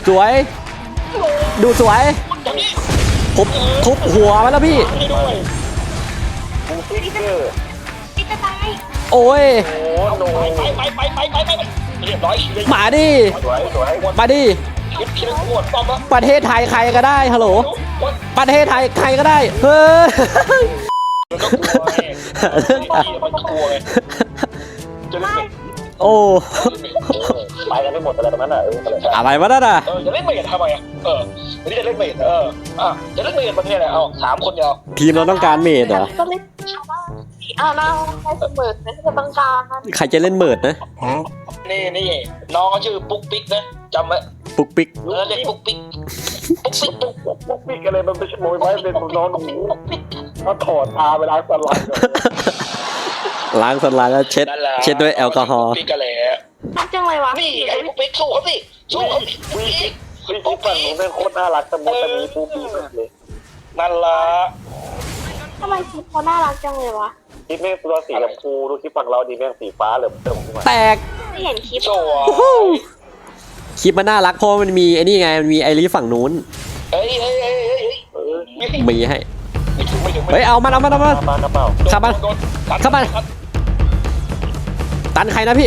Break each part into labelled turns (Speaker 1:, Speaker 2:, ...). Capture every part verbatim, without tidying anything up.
Speaker 1: สวยดูสวยทุบทุบหัวมันแล้วพี่
Speaker 2: พี่จะตาย
Speaker 1: โอ้ย
Speaker 3: ไปไปไปไปไปไปเรียบร้อย
Speaker 1: มาดิมาดิประเทศไทยใครก็ได้ฮัลโหลประเทศไทยใครก็ได้เฮ้ยโอ้
Speaker 3: ไปกันไม่หมดอะไรตรงนั้นอ่ะ
Speaker 1: อะไรวะนั่นอ่ะ
Speaker 3: เออจะเล่นเมดทำไมอ่ะเออวันนี้จะเล่นเมดเอออ่ะจะเล่นเมดประเทศอะไรเอาสามคนเดียว
Speaker 1: ทีมเราต้องการเมดเหรอ
Speaker 2: ก็เล่นอ้าวน้องใครเสมอนั่นจะต้องการ
Speaker 1: ใครจะเล่นเมิดนะ
Speaker 3: นี่นี่น้องเขาชื่อปุ๊กปิ๊กนะจำไว้
Speaker 1: ปุ๊กปิ๊ก
Speaker 3: เออเรียกปุ๊กปิ๊กปุ๊กปิ๊กปุ๊กปุ๊กปิ๊กอะไรมันไม่ใช่โมยไว้เป็นน้องปุ๊กปิ๊กเขาถอดตาเวลาสลัด
Speaker 1: ล้างสลัดแล้วเช็ดเช็ดด้วยแอลกอฮอล์
Speaker 3: ปิ๊กอะไร
Speaker 2: น่าจังเลยวะ
Speaker 3: นี่ไอ้ปุ๊กปิ๊กสู้เขาสิสู้เขาสิปุ๊กปิ๊กปุ๊กปิ๊กหนูเป็นโคตรน่ารักแต่มดแต่มีปุ๊กปิ๊กมากเลยนั่นละ
Speaker 2: ทำไมคลิปเขาน่ารักจังเลยวะ
Speaker 3: คลิปแม่งตัวสีชมพูดูคลิปฝั่งเราดีแม่งสีฟ้าเหลือเติมขึ้นมา
Speaker 1: แตก
Speaker 2: ไม่เห็นคลิป
Speaker 1: คลิปมันน่ารักเพราะมันมีไอ้นี่ไงมันมีไอรีฝั่งนู้น
Speaker 3: เฮ้ยเฮ้ยเฮ้ยเฮ้ย
Speaker 1: มีให้เฮ้ยเอามันเอามันเอามันขับมันขับมันตันใครนะพี่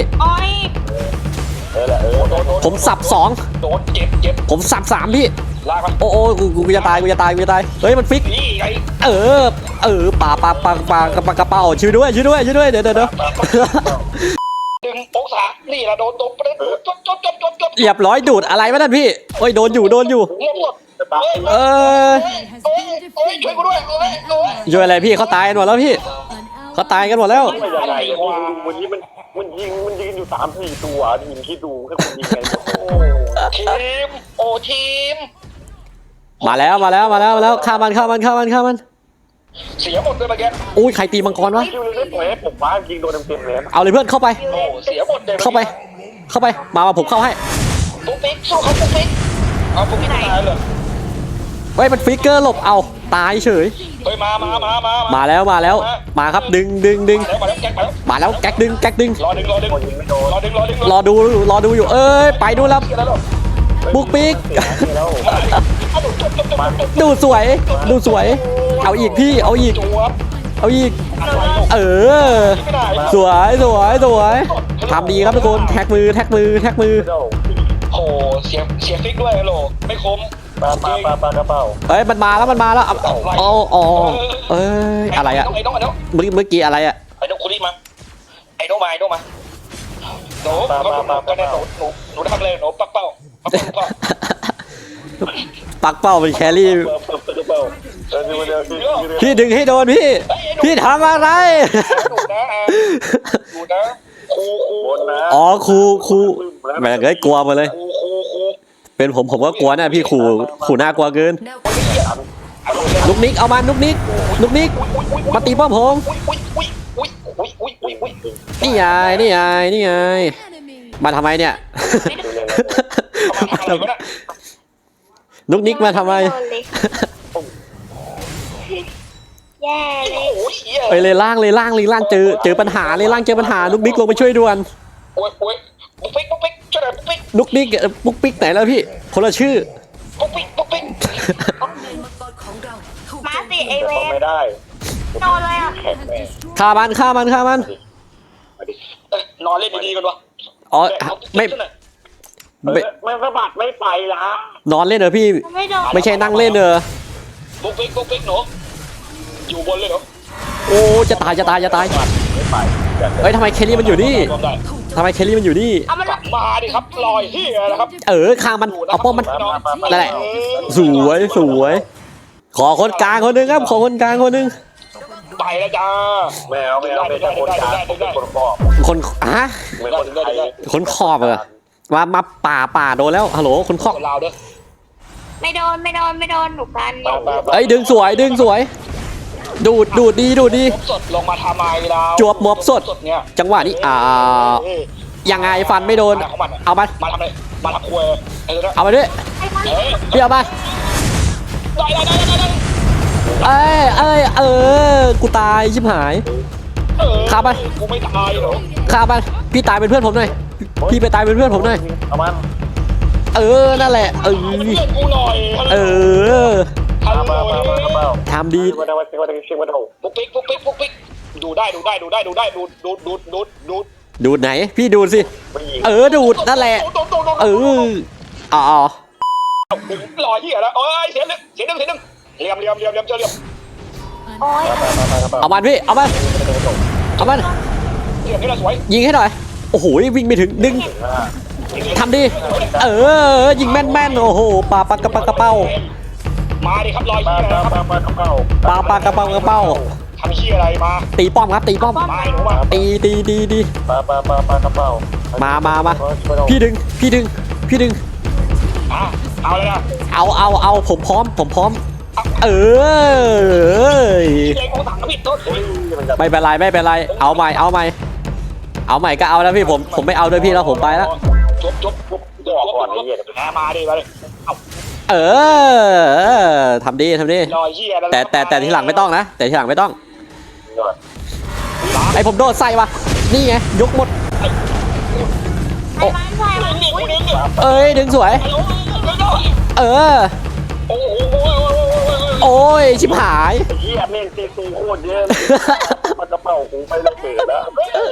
Speaker 1: ผมสับสอง
Speaker 3: โดนเจ็บเจ็บ
Speaker 1: ผมสับสามพี่โอ้โอ้กูกูจะตายกูจะตายกูจะตายเฮ้ยมันฟิกเออเออป่าป่าป่าป่ากระปากระเป๋าช่วยด้วยช่วยด้วยช่วยด้วยเดี๋ยวเดี๋ยวดึ
Speaker 3: งองศานี่ละโดนตบประเด็นจดจดจดจดจด
Speaker 1: เรียบร้อยดูดอะไรวะนั่นพี่โอ้ยโดนอยู่โดนอยู่เออ
Speaker 3: ช่วยกูด้วย
Speaker 1: ช่วยอะไรพี่เขาตายกันหมดแล้วพี่เขาตายกันหมดแล้ว
Speaker 3: วันนี้มันมันยิงมันยิงอยู่สามสี่ตัวยิงคิดดูแค่คนยิงไงทีมโอทีม
Speaker 1: มาแล้วมาแล้วมาแล้วมาแล้วฆ่ามันฆ่ามันฆ่ามันฆ่ามัน
Speaker 3: เสียหมดเลยเมื่อกี้
Speaker 1: อุ้ยใครตีมังกรวะ
Speaker 3: ผมว่ายิงโดนเต็มๆเลย
Speaker 1: เอาเลยเพื่อนเข้าไป
Speaker 3: เสียหมดเลย
Speaker 1: เข้าไปเข้าไปมามาผมเข้าให้
Speaker 3: ปุ๊กปิ๊กสู้เขาปุ๊กปิ๊กเอาปุ๊กปิ๊กตายเลย
Speaker 1: เฮ้ยมันฟิกเกอร์หลบเอาตายเฉย
Speaker 3: เฮ้ยมามามามา
Speaker 1: มาแล้วมาแล้วมาครับดึงดึงดึงมาแล้วแก๊กดึงแก๊กดึง
Speaker 3: รอดึงรอดึงรอดึงรอดึง
Speaker 1: รอดูรอดูอยู่เอ้ยไปดูแล้วปุ๊กปิ๊กดูสวยดูสวยเอาอีกพี่เอาอีกเอาอีกเออสวยสวยสวยทำดีครับทุกคนแท็กมือแท็กมือแท็กมือ
Speaker 3: โอ้เสียเสียฟิกด้วยฮัลโหลไม่คมปลาปลาปลาปลากระเป๋า
Speaker 1: เฮ้ยมันมาแล้วมันมาแล้วอ๋ออ๋อเอ้ยอะไรอะเมื่อเมื่อกี้อะไรอะ
Speaker 3: ไอ้นกคุริมาไอ้นกมาไอ้นกมาหนูก็ได้หนูหนูหนูทำเลยหนูปักเป้า
Speaker 1: ปักเป้าเป็นแครี่พี่ดึงให้โดนพี่พี่ทำอะไรอ๋อครูครูแม่งเลยกลัวมาเลยเป็นผมผมก็กลัวนะพี่ขู่ขู่น่ากลัวเกินนุกนิกเอามานุกนิกนุกนิกมาตีป้อมผมนี่ไงนี่ไงนี่ไงมาทำไมเนี่ยนุกนิกมาทำไม
Speaker 2: แย่เลย
Speaker 1: ไปเลยล่างเลยล่างเลยล่างเจอเจอปัญหาเลยล่างเจอปัญหานุกนิกลงไปช่วยด่วน
Speaker 3: ปุ๊กปิ๊กปุ๊กปิ๊กช่วยหน่อยปุ๊กปิ๊ก
Speaker 1: นุกนิกปุ๊กปิ๊กไหนแล้วพี่คนละชื่อ
Speaker 3: ปุ๊กปิ๊กปุ๊กปิ๊ก
Speaker 2: มาสิไอเว
Speaker 3: นไม่ได้
Speaker 2: นอนเลยอ่ะ
Speaker 1: ฆ่ามันฆ่ามันฆ่ามัน
Speaker 3: นอนเล่นดีๆกันวะ
Speaker 1: อ๋อไม่
Speaker 3: ไม่ไม่สะบัดไม่ไปละ
Speaker 1: นอนเล่นเหรอพี่ไม่ใช่นั่งเล่นเหรอ
Speaker 3: ปุ๊กปิ๊กปุ๊กปิ๊กหนูอยู่บนเลยเหรอ
Speaker 1: โอ้จะตายจะตายจะตายเฮ้ยทำไมเคลลี่มันอยู่นี่ทำไมเคลลี่มันอยู่นี่
Speaker 3: มาดิครับลอยเฮียนะครับ
Speaker 1: เออข้างมันเอาป้อมมันนั่นแหละสวยสวยขอคนกลางคนนึงครับขอคนกลางคนนึง
Speaker 3: ไปแล้วจ้าแมวแมวไม่ใช่คนกลางคนขอบ
Speaker 1: คนฮะคนขอบเหรอมามาป่าป่าโดนแล้วฮัลโหลคนขอบ
Speaker 2: ไม่โดนไม่โดนไม่โดนหนุกัน
Speaker 1: เอ้ยดึงสวยดึงสวยดูดดูดดีดูดดี
Speaker 3: สดลงมาทำไมเรา
Speaker 1: จวบมอบสดจังหวะนี้อ่ายังไงฟันไม่โดนเอามา
Speaker 3: มาทำเลยมาทำควย
Speaker 1: เอามาด้วยพี่เอามาเอ้ยเอ้ยเออกูตายชิบหายฆ่ามัน
Speaker 3: กูไม่ตายหรอ
Speaker 1: ฆ่ามันพี่ตายเป็นเพื่อนผมหน่อยพี่ไปตายเป็นเพื่อนผมหน่อย
Speaker 3: เอามัน
Speaker 1: เออนั่นแหละเออ
Speaker 3: เพื่อนกูหน่อย
Speaker 1: เออ
Speaker 3: ฮัลโหล
Speaker 1: ทำดี
Speaker 3: มาได้มาได้เชื่อมาได้ปุ๊กปิ๊กปุ๊กปิ๊กปุ๊กปิ๊กดูได้ดูได้ดูได้ดูได้ดูดูดูดูดูด
Speaker 1: ดูดไหนพี่ดูดสิเออดูดนั่นแหละเอออ๋อ
Speaker 3: ลอยเหี้ยแล้วเอ้ยเสียงนึงเสียงนึงเสียงนึงเหลี่ยมเหลี่ยมเหลี่ยมเหลี่ยมเจอเหลี่ยม
Speaker 2: โอ้ย
Speaker 1: เอามันพี่เอามันเอามัน
Speaker 3: เหลี่ยมนี่ละสวย
Speaker 1: ยิงให้หน่อยโอ้โหวิ่งไปถึงดึงทำดีเออยิงแม่นแม่นโอ้โหปลาปลากระปากระเป้า
Speaker 3: มาดิครับลอยเหี้ยอะไรครับ
Speaker 1: ปลาปลากระเป้ากระเป้า
Speaker 3: ทำเหี้ยอะไรมา
Speaker 1: ตีป้อมครับตีป้อม
Speaker 3: มาหนูมา
Speaker 1: ตีตีตีตี
Speaker 3: ปลาปลาปลาปลากระเป๋า
Speaker 1: มามามาพี่ดึงพี่ดึงพี่ดึง
Speaker 3: อ่ะเอาเลยนะ
Speaker 1: เอาเอาเอาผมพร้อมผมพร้อมเออ
Speaker 3: เด็กของถังผิดต้น
Speaker 1: ไม่เป็นไรไม่เป็นไรเอาใหม่เอาใหม่เอาใหม่ก็เอาแล้วพี่ผมผมไม่เอาด้วยพี่แล้วผมไปแล้ว
Speaker 3: จบจบจบจบก่อนไอ้เหี้ยแหมมาดิมาดิเอา
Speaker 1: เออทำดีทำดี
Speaker 3: ลอยเหี้ย
Speaker 1: แต่แต่แต่ทีหลังไม่ต้องนะแต่ทีหลังไม่ต้องไอผมโดดใส่วะนี่ไงยกหมด
Speaker 2: ไอ้มันใส่มัน
Speaker 3: นี่
Speaker 2: อุ้ย
Speaker 3: นี่นี่
Speaker 1: เอ้ยดึงสวย เออ
Speaker 3: โอ้โห
Speaker 1: โอ้ยชิบหาย
Speaker 3: เหี้ยแม่งตีตูโคตรเยอะมันกระเป๋ากูไปแล้วเปิดแล้ว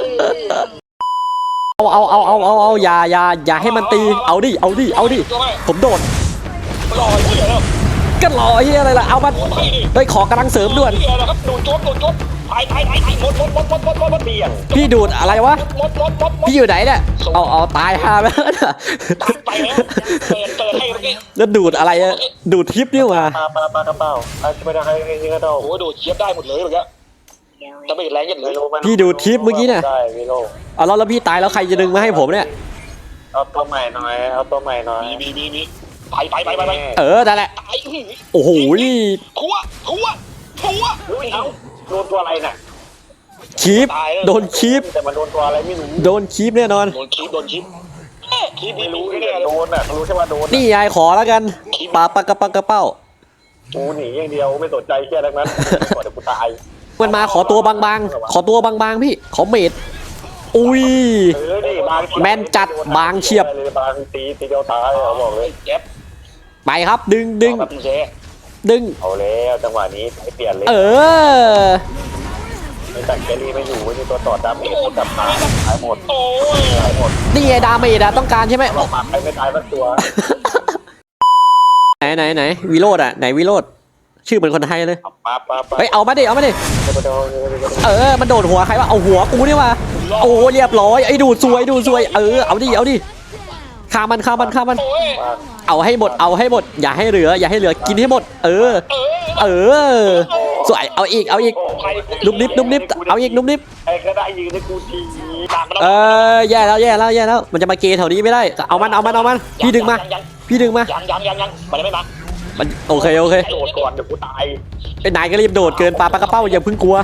Speaker 1: เอาเอาเอาเอาเอาเอาอย่าอย่าอย่าให้มันตีเอาดิเอาดิเอาดิผมโดด
Speaker 3: ลอยเหี้ยแล้ว
Speaker 1: ก็รอเฮียอะไรล่ะเอามันเฮ้ยขอกำลังเสริมด่วน
Speaker 3: เหี้ยแล้วครับดูจบดูจบถ่ายถ่ายถ่ายถ่ายหมดหมดหมดหมดหมดหมดเบี่ยง
Speaker 1: พี่ดูดอะไรวะ
Speaker 3: หมดหมดหมด
Speaker 1: พี่อยู่ไหนเนี่ยเอาเอาตายฮาไปแล้ว
Speaker 3: ตัดไปแล้วเปิดเปิดให้เมื่อกี้
Speaker 1: แล้วดูดอะไรอะดูดทิปนี่หว่า
Speaker 3: ปลาปลาปลากระเป๋าอาจจะไม่ได้ให้ให้กระเป๋าโอ้โหดูเชียบได้หมดเลยเมื่อกี้จะไม่แรงยันเลย
Speaker 1: พี่ดูดทิปเมื่อกี้เนี่ย
Speaker 3: ได้พี่โล
Speaker 1: เอาแล้วแล้วพี่ตายแล้วใครจะดึงมาให้ผมเนี่ย
Speaker 3: เอาตัวใหม่หน่อยเอาตัวใหม่หน่อยมีมีมีไปไปไปไปไป
Speaker 1: เออนั่นแหละ
Speaker 3: ตาย
Speaker 1: โอ้โหนี่
Speaker 3: ทัวทัวทัวอุ้ยเอาโดนตัวอะไรน่ะ
Speaker 1: คีปโดนคีป
Speaker 3: แต่มันโดนตัวอะไรไม่รู้
Speaker 1: โดนคีปแน่นอน
Speaker 3: โดนคีบโดนคีบคีบไม่รู้ไม่ได้โดนอ่ะรู้แค่ว่าโดน
Speaker 1: นี่ยายขอแล้วกันปลาปลากระปักกระเป้า
Speaker 3: กูหนีอย่างเดียวไม่สนใจแค่นั้นก่อนเดี๋ยวกูตาย
Speaker 1: มันมาขอตัวบางๆขอตัวบางๆพี่ขอเมดอุ้ย
Speaker 3: เออนี่บาง
Speaker 1: แม่นจัดบางเฉียบ
Speaker 3: บางตีตีเดียวตายเขาบอกเลยเจ็บ
Speaker 1: ไปครับดึงดึง
Speaker 3: แบบเจ๊
Speaker 1: ดึง
Speaker 3: เอาแล้วจังหวะนี้ให้เปลี่ยนเลย
Speaker 1: เออ
Speaker 3: ไม่ตัดแกลี่ไม่อยู่ไม่มีตัวต่อดาเมจจับตายตายหมดโอ้ยตายหมด
Speaker 1: นี่ไงดาเมจอะต้องการใช่ไหม
Speaker 3: เราหมักไปไม่ตายสักตัว
Speaker 1: ไหนไหนไหนวิโรดอะไหนวิโรดชื่อเหมือนคนไทยเลย
Speaker 3: มาปาปา
Speaker 1: เฮ้ยเอามาดิเอามาดิ
Speaker 3: โดน
Speaker 1: เออมันโดดหัวใครวะเอาหัวกูนี่วะโอ้เรียบร้อยไอ้ดูดซวยดูดซวยเออเอาดิเอาดิฆ่ามันฆ่ามันฆ่ามัน
Speaker 3: โอ้ย
Speaker 1: เอาให้หมดเอาให้หมดอย่าให้เหลืออย่าให้เหลือกินให้หมด เออ
Speaker 3: เออ
Speaker 1: เออสวยเอาอีกเอาอีกนุบนิบนุบนิบเอาอีกนุบนิบ
Speaker 3: ไอ้ก็ได้ยืนในกูทีตามมา
Speaker 1: เออแย่แล้วแย่แล้วแย่แล้วมันจะมาเกยแถวนี้ไม่ได้เอามันเอามันเอามันพี่ดึงมาพี่ดึงมา
Speaker 3: ยังยังยังยังมันยังไม่มา
Speaker 1: มันโอเคโอเค
Speaker 3: โดดก่อนเดี๋ยวกูตาย
Speaker 1: ไอ้นายก็รีบโดดเกินปลาปลากระเป้าอย่าเพิ่งกลัว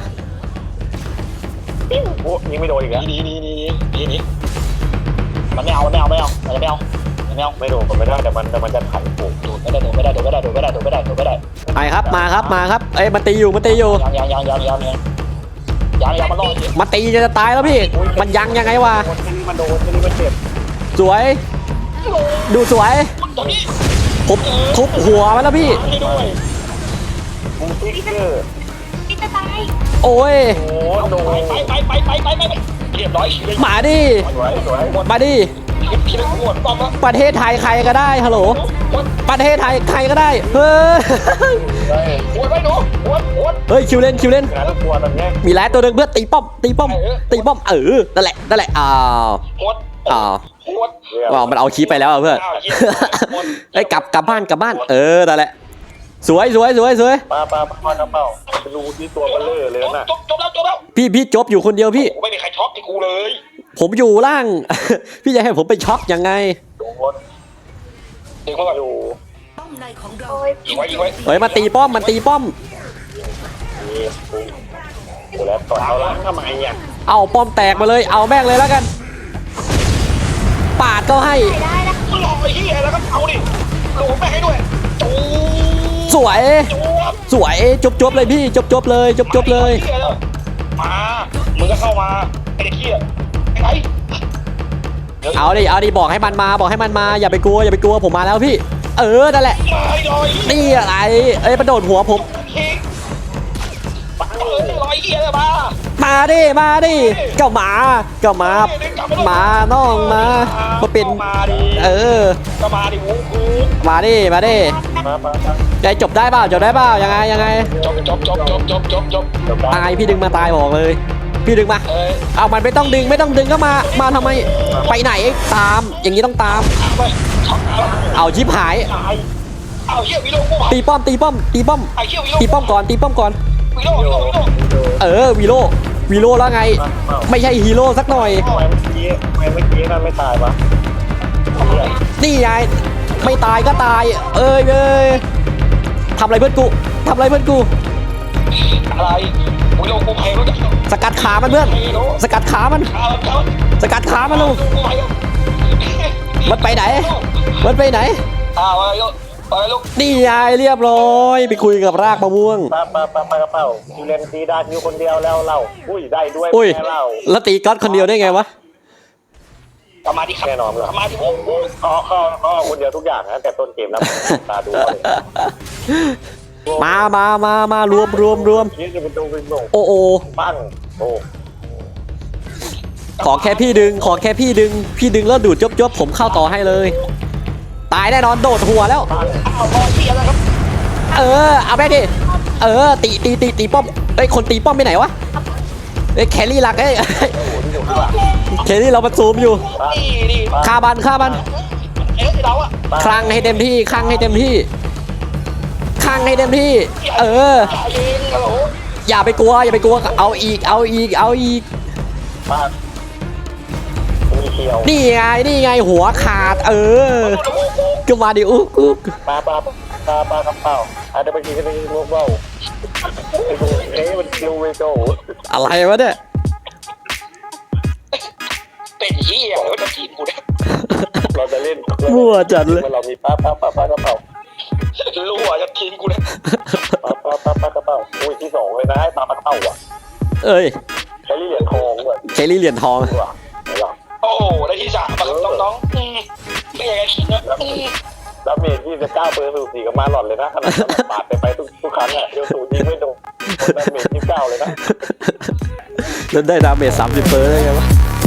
Speaker 3: โอ้ยิงไม่โดนอีกแล้วนี่นี่นี่นี่นี่มันไม่เอาไม่เอาไม่เอามันไม่เอาไม่เอาไม่โดนมันไม่ได้แต่มันแต่มันจะขันกูโดดไม่ได้โดดไม่ได้โดดไม่ได้โดดไม่ได้โดดไม่ได้โดดไม่ได้
Speaker 1: ไปครับมาครับมาครับเอ้ยมันตีอยู่มันตีอยู่
Speaker 3: ยังยังยังยังยังยังยังยังมันรอด
Speaker 1: มันตีจะตายแล้วพี่มันยังยังไงวะ
Speaker 3: มันโดนมันเจ็บ
Speaker 1: สวย ดูสวยผมทุบหัวมันแล้วพี่
Speaker 3: ให้ด้วยบูติ๊กเกอร์
Speaker 2: พี่จะตาย
Speaker 1: โอ้ย
Speaker 3: โอ้โดนไปไปไปไปไปไปเรียบร้อย
Speaker 1: มาดิ
Speaker 3: สวยสวยหมด
Speaker 1: มาดิ
Speaker 3: พี่นึกหมดป้อมแล้ว
Speaker 1: ประเทศไทยใครก็ได้ฮัลโหลประเทศไทยใครก็ได้เฮ้ย
Speaker 3: โอ้ยไปหนูโอ้ยโอ้ย
Speaker 1: เฮ้ยคิวเล่นคิวเล่น
Speaker 3: งานตัวตอนนี้
Speaker 1: มีหลายตัวหนึ่งเพื่อตีป้อมตีป้อมตีป้อมเออนั่นแหละนั่นแหละอ้าว
Speaker 3: โคตร
Speaker 1: อ้าว
Speaker 3: โคตร
Speaker 1: ว้าวมันเอาคีไปแล้วอะเพื่อนไอ้ยกลับกลับบ้านกลับบ้านเออนั่นแหละสวยสวยสวยสวย
Speaker 3: ปลาปลาปลากระเป๋าดูที่ตัวเบลเลอร์เลยนะจบจบแล้วจบแล้ว
Speaker 1: พี่พี่จบอยู่คนเดียวพี่
Speaker 3: ไม่มีใครช็อกที่กูเลย
Speaker 1: ผมอยู่ล่าง พี่จะให้ผมไปช็อกยังไง
Speaker 3: โดนเด็กเขาแบบอยู่
Speaker 2: โอ้ย
Speaker 3: ยิงไว้ยิงไว้
Speaker 1: เฮ้ยมาตีป้อมมันตีป้อม
Speaker 3: นี่กูแล้วต่อเอาล้างทำไมอ่ะ
Speaker 1: เอาป้อมแตกมาเลยเอาแม่งเลยแล้วกัน ปาดก็ให้
Speaker 2: ไม่ได้นะ
Speaker 3: รอไอ้เหี้ยแล้วก็เอาดิโดนไปให้ด้วยจู
Speaker 1: สวย
Speaker 3: จู
Speaker 1: สวยจบจบเลยพี่จบจบเลยจบจบเลย
Speaker 3: มามึงก็เข้ามาไอ้เด็กเหี้ยไอ้ไหน
Speaker 1: เอาดิเอาดิบอกให้มันมาบอกให้มันมาอย่าไปกลัวอย่าไปกลัวผมมาแล้วพี่เออนั่นแหละ
Speaker 3: ไม่ลอย
Speaker 1: นี่อะไรเอ้ยมันโดดหัวผม
Speaker 3: เออลอยเหี้ยเลยมา
Speaker 1: มาดิมาดิก็มาก็มามาน้องมามาเป็น
Speaker 3: มาดิ
Speaker 1: เออ
Speaker 3: ก็มาดิวูกู
Speaker 1: มาดิมาดิ
Speaker 3: มามา
Speaker 1: ใจจบได้เปล่าจบได้เปล่ายังไงยังไง
Speaker 3: จบจบจบจบจบจบจบจบ
Speaker 1: ตายพี่ดึงมาตายบอกเลย พี่ดึงมา
Speaker 3: เอ้ย
Speaker 1: เอามันไม่ต้องดึงไม่ต้องดึงก็มามาทำไมไปไหนตามอย่างนี้ต้องตาม
Speaker 3: เอาไปเอา
Speaker 1: เอาชิบหาย
Speaker 3: ตายเอาเหี้ยวิโรกู
Speaker 1: ตีป้อมตีป้อมตีป้อม
Speaker 3: ไอ้เหี้ยวิโร
Speaker 1: ตีป้อมก่อนตีป้อมก่อน
Speaker 3: วิโรวิโรวิโร
Speaker 1: เออวีโร่วีโร่แล้วไง ไม่ใช่ฮีโร่สักหน่อย
Speaker 3: ทำไมเมื่อกี้ทำไมเมื่อกี้นั่นไม่ตายวะ
Speaker 1: นี่ไงไม่ตายก็ตาย เอ้ยเอ้ยทำอะไรเพื่อนกูทำอะไรเพื่อนกู
Speaker 3: อะไรวิโรกูแพ้รู้จัก
Speaker 1: สกัดขามันเพื่อน สกัดขามัน
Speaker 3: ขาขา
Speaker 1: สกัดขามันลูก
Speaker 3: กูไป
Speaker 1: มันไปไหน มันไปไหน
Speaker 3: อ่าอะไรลูกอะไรลูก
Speaker 1: นี่ไงเรียบร้อยไปคุยกับรากมะม่วง
Speaker 3: ปาปาปาปากระเป๋าคิวเลนซีดาคิวคนเดียวแล้วเล่าอุ้ยได้ด้วย
Speaker 1: อุ้ย
Speaker 3: แม่เล่า
Speaker 1: แล้วตีก๊อตคนเดียวได้ไงวะ
Speaker 3: กลับมาที่แน่นอนเลยกลับมาที่ผมอ๋ออ๋ออ๋อคนเดียวทุกอย่างนะแต่ต้นเกมแล้วตาดูเลย
Speaker 1: มามามามารวมรวมรวม
Speaker 3: นี่จะเป็นตัวเป็นโง่
Speaker 1: โอ้โอ
Speaker 3: ปั้งโอ้
Speaker 1: ขอแค่พี่ดึง ขอแค่พี่ดึง พี่ดึงแล้วดูดจบจบผมเข้าต่อให้เลย ตายแน่นอนโดดหัวแล้ว
Speaker 3: ปั้งอ้าวบอลเทียแล้วครับ
Speaker 1: เออเอาไปดิเออตีตีตีตีป้อมเอ้ยคนตีป้อมไปไหนวะเอ้ยแครี่หลักเอ้ย แครี่เราประซูมอยู่
Speaker 3: นี่นี่
Speaker 1: ฆ่าบันฆ่าบัน
Speaker 3: เอ๊ะเราอะ
Speaker 1: คลังให้เต็มที่คลังให้เต็มที่คลังให้เต็มที่ เออ
Speaker 3: จ่ายเองฮัลโหล
Speaker 1: อย่าไปกลัวอย่าไปกลัวเอาอีกเอาอีกเอาอีก
Speaker 3: ปั้งมีเขียว
Speaker 1: นี่ไงนี่ไงหัวขาด เออก็มาดิอุ๊กอุ๊ก
Speaker 3: ปลาปลาปลาปลากระเป๋าอาจจะไปกินกันในพวกเบ้าไอ้พวกเอ๊ะมันคิวเวโก้
Speaker 1: อะไรวะเนี่ย
Speaker 3: เป็นเหี้ยแล้วจะทีมกูเนี่ยเราจะเล่น
Speaker 1: มั่วจัดเลย
Speaker 3: เรามีปลาปลาปลาปลากระเป๋ารู้ว่าจะทีมกูเนี่ยปลาปลาปลาปลากระเป๋าอุ้ยที่สองเลยนะปลาปลากระเป๋าอ่ะ
Speaker 1: เอ้ย
Speaker 3: ใช้เหรียญทองด้วย
Speaker 1: เคลลี่เหรียญทอง
Speaker 3: ว่ะไหนล่ะโอ้ได้ที่สามมาครับน้องๆไม่อยากจะคิดนะดาเมจยี่สิบเก้าเปอร์เซ็นต์สูสีกับมาหลอดเลยนะขนาดปาดไปไปทุกทุกครั้งอ่ะเดี๋ยวสูยิงไม่โดนดาเมจยี่สิบเก้าเลยนะ
Speaker 1: แล้วได้ดาเมจสามสิบเปอร์ได้ไงวะ